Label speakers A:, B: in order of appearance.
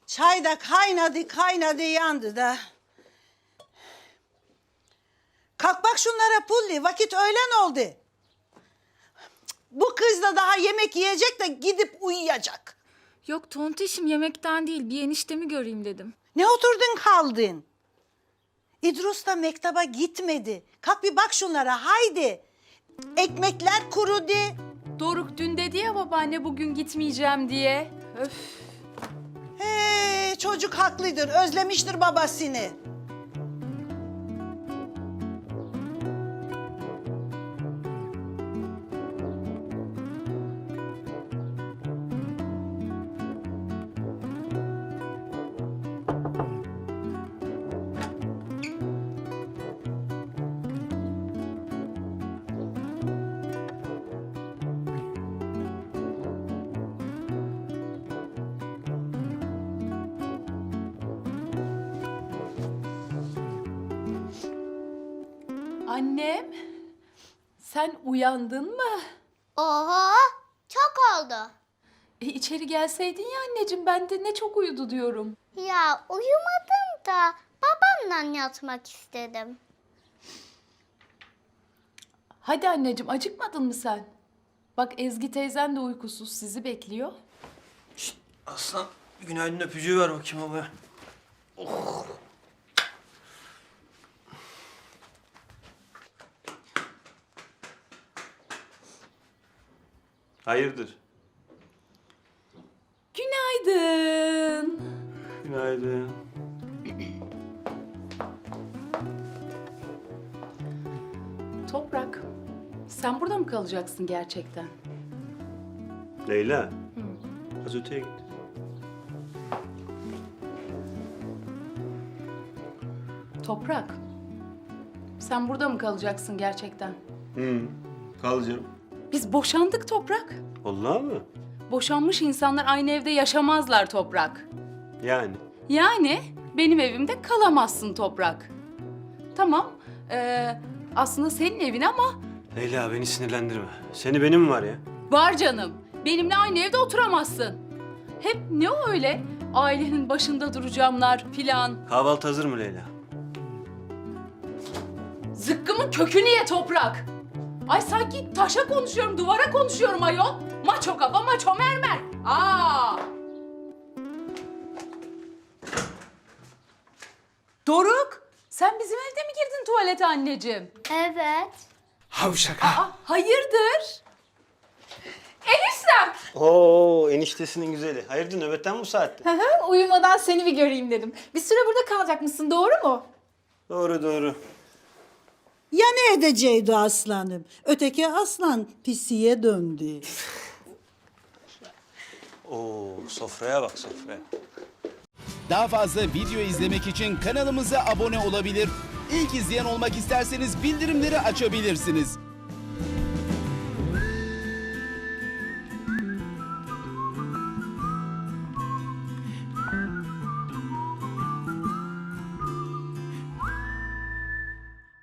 A: Çay da kaynadı yandı da. Kalk bak şunlara Pulli, vakit öğlen oldu. Bu kız da daha yemek yiyecek de gidip uyuyacak.
B: Yok tontişim, yemekten değil, bir eniştemi göreyim dedim.
A: Ne oturdun kaldın? İdrus da mektaba gitmedi. Kalk bir bak şunlara haydi. Ekmekler kurudu.
B: Doruk dün dedi ya babaanne bugün gitmeyeceğim diye. Öf.
A: Çocuk haklıdır, özlemiştir babasını.
B: Annem, sen uyandın mı?
C: Oho, çok oldu.
B: İçeri gelseydin ya anneciğim, ben de ne çok uyudu diyorum.
C: Ya uyumadım da babamla yatmak istedim.
B: Hadi anneciğim, acıkmadın mı sen? Bak Ezgi teyzen de uykusuz, sizi bekliyor.
D: Şişt, aslan bir günaydın öpücüğü ver bakayım abi. Oh. Hayırdır?
B: Günaydın.
D: Günaydın.
B: Toprak, sen burada mı kalacaksın gerçekten?
D: Leyla. Az öteye git.
B: Toprak, sen burada mı kalacaksın gerçekten?
D: Kalacağım.
B: Biz boşandık Toprak.
D: Vallahi mı?
B: Boşanmış insanlar aynı evde yaşamazlar Toprak.
D: Yani.
B: Yani benim evimde kalamazsın Toprak. Tamam, aslında senin evin ama
D: Leyla beni sinirlendirme. Seni benim var ya.
B: var canım. Benimle aynı evde oturamazsın. Hep ne o öyle? Ailenin başında duracağımlar filan.
D: Kahvaltı hazır mı Leyla?
B: Zıkkımın kökünü ye Toprak. Ay sanki taşa konuşuyorum, duvara konuşuyorum ayol. Maço kafa, maço mermer. Aa! Doruk, sen bizim evde mi girdin tuvalete anneciğim?
C: Evet.
E: Havşak
B: Aa, hayırdır? Eniştem.
D: Oo eniştesinin güzeli. Hayırdır nöbetten mi bu saatte?
F: Uyumadan seni bir göreyim dedim. Bir süre burada kalacak mısın, doğru mu?
D: Doğru doğru.
A: Ya ne edeceydi aslanım? Öteki aslan pisiye döndü.
D: Oo sofraya bak sofraya.
E: Daha fazla video izlemek için kanalımıza abone olabilir. İlk izleyen olmak isterseniz bildirimleri açabilirsiniz.